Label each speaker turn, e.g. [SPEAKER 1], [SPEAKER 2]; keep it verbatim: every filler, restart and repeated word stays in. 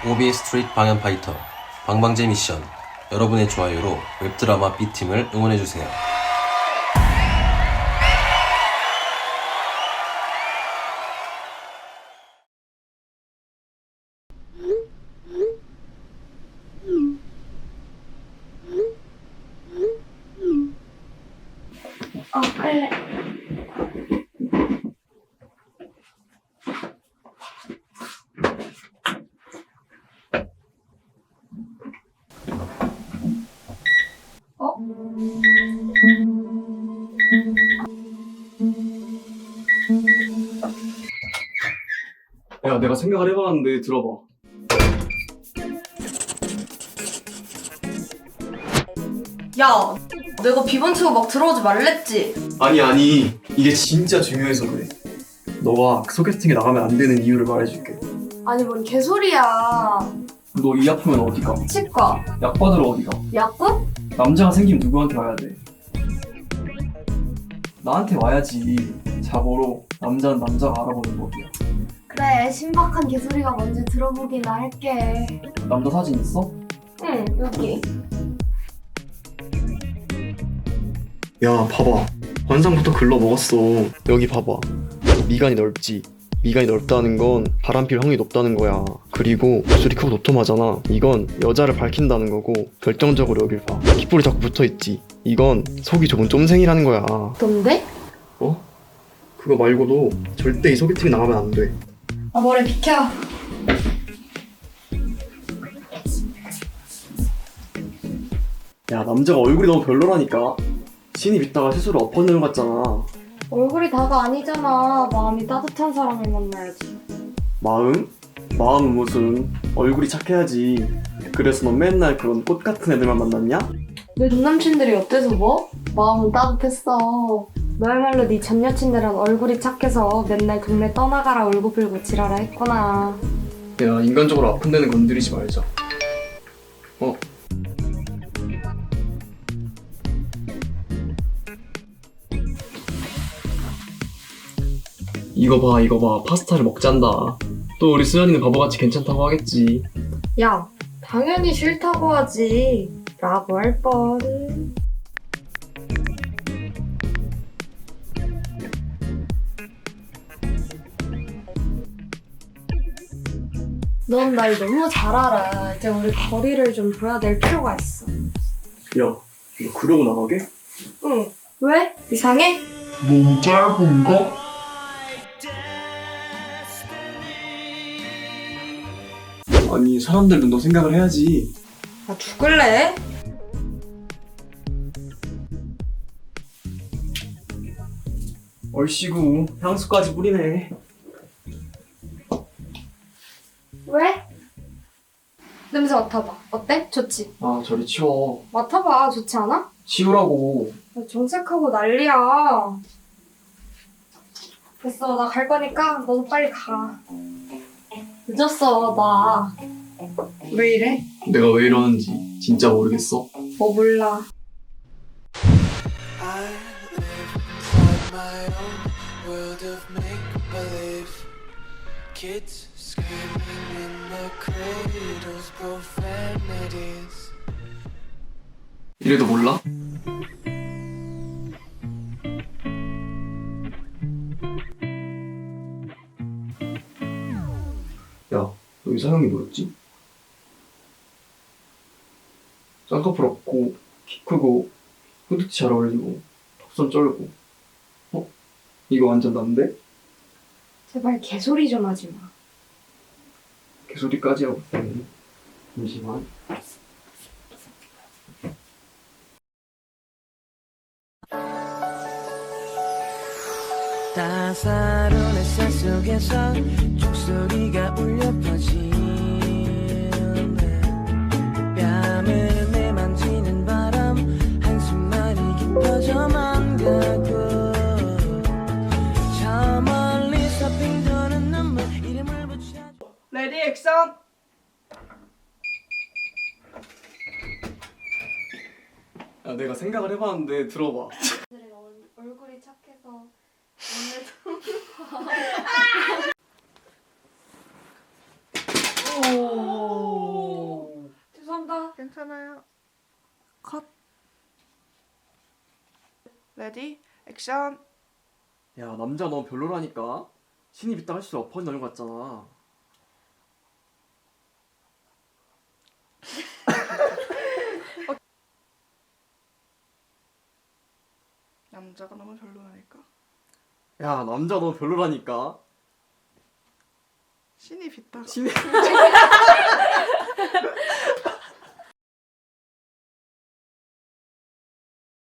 [SPEAKER 1] 오비 스트리트 방연 파이터 방방제 미션. 여러분의 좋아요로 웹드라마 B팀을 응원해주세요.
[SPEAKER 2] 어, 그래. 어?
[SPEAKER 3] 야, 내가 생각을 해봤는데 들어봐.
[SPEAKER 2] 야, 내가 비번 치고 막 들어오지 말랬지?
[SPEAKER 3] 아니 아니 이게 진짜 중요해서 그래. 너가 소개팅에 나가면 안 되는 이유를 말해줄게.
[SPEAKER 2] 아니, 뭔 개소리야.
[SPEAKER 3] 너 이 아프면 어디 가?
[SPEAKER 2] 치과,
[SPEAKER 3] 약 받으러 어디 가?
[SPEAKER 2] 약국?
[SPEAKER 3] 남자가 생기면 누구한테 와야 돼? 나한테 와야지. 자고로 남자는 남자가 알아보는 법이야.
[SPEAKER 2] 그래, 신박한 개소리가 뭔지 들어보기나 할게.
[SPEAKER 3] 남자 사진 있어?
[SPEAKER 2] 응, 여기.
[SPEAKER 3] 야, 봐봐. 관상부터 글러 먹었어. 여기 봐봐. 미간이 넓지. 미간이 넓다는 건 바람 필 확률이 높다는 거야. 그리고 입술이 크고 도톰하잖아. 이건 여자를 밝힌다는 거고, 결정적으로 여길 봐. 귓볼이 자꾸 붙어있지. 이건 속이 좁은 쫌생이라는 거야.
[SPEAKER 2] 뭔데?
[SPEAKER 3] 어? 그거 말고도 절대 이 소개팅 나가면 안 돼.
[SPEAKER 2] 아, 머리 비켜.
[SPEAKER 3] 야, 남자가 얼굴이 너무 별로라니까. 신입 있다가 스스로 엎어내는 것 같잖아.
[SPEAKER 2] 얼굴이 다가 아니잖아. 마음이 따뜻한 사람을 만나야지.
[SPEAKER 3] 마음? 마음은 무슨 얼굴이 착해야지. 그래서 넌 맨날 그런 꽃 같은 애들만 만났냐?
[SPEAKER 2] 내 전남친들이 어때서 뭐? 마음은 따뜻했어. 너야말로 네 전 여친들은 얼굴이 착해서 맨날 동네 떠나가라 울고 불고 지랄을 했구나.
[SPEAKER 3] 야, 인간적으로 아픈 데는 건드리지 말자. 어? 이거 봐, 이거 봐. 파스타를 먹잔다. 또 우리 수연이는 바보같이 괜찮다고 하겠지.
[SPEAKER 2] 야, 당연히 싫다고 하지. 라고 할 뻔. 넌 날 너무 잘 알아. 이제 우리 거리를 좀 둬야 될 필요가 있어.
[SPEAKER 3] 야, 너 그러고 나가게?
[SPEAKER 2] 응. 왜? 이상해?
[SPEAKER 4] 너무 짧은가?
[SPEAKER 3] 아니, 사람들도 너 생각을 해야지.
[SPEAKER 2] 나 죽을래?
[SPEAKER 3] 얼씨구, 향수까지 뿌리네.
[SPEAKER 2] 왜? 냄새 맡아봐. 어때? 좋지?
[SPEAKER 3] 아, 저리 치워.
[SPEAKER 2] 맡아봐. 좋지 않아?
[SPEAKER 3] 치우라고.
[SPEAKER 2] 나 정색하고 난리야. 됐어. 나 갈 거니까 너도 빨리 가. 늦었어. 나. 왜 이래?
[SPEAKER 3] 내가 왜 이러는지 진짜 모르겠어.
[SPEAKER 2] 뭐 몰라.
[SPEAKER 5] I live inside my own world of make-believe. Kids screaming in the cradles, profanities.
[SPEAKER 3] 이래도 몰라? 야, 너 이상형이 뭐였지? 쌍꺼풀 없고 키 크고 후드티 잘 어울리고 턱선 쩔고. 어? 이거 완전 난데?
[SPEAKER 2] 제발 개소리 좀 하지 마.
[SPEAKER 3] 개소리까지 하고 있네. 잠시만.
[SPEAKER 5] 따사로운 햇살 속에서 종소리가 울려 퍼지네. 뺨을 내만지는 바람 한숨만이 깊어져만 가고 저 멀리서 빙 도는 눈물 이름을 붙여.
[SPEAKER 6] 레디 액션!
[SPEAKER 3] 야, 내가 생각을 해봤는데 들어봐.
[SPEAKER 2] 얼굴이 착해서 오늘도
[SPEAKER 6] 괜찮아요. 컷. 레디 액션.
[SPEAKER 3] 야 남자 너 별로라니까. 신입 있다 할수록 엎어진 얼굴 같잖아.
[SPEAKER 6] 남자가 너무 별로라니까.
[SPEAKER 3] 야 남자 너 별로라니까.
[SPEAKER 6] 신입 있다가
[SPEAKER 3] 신입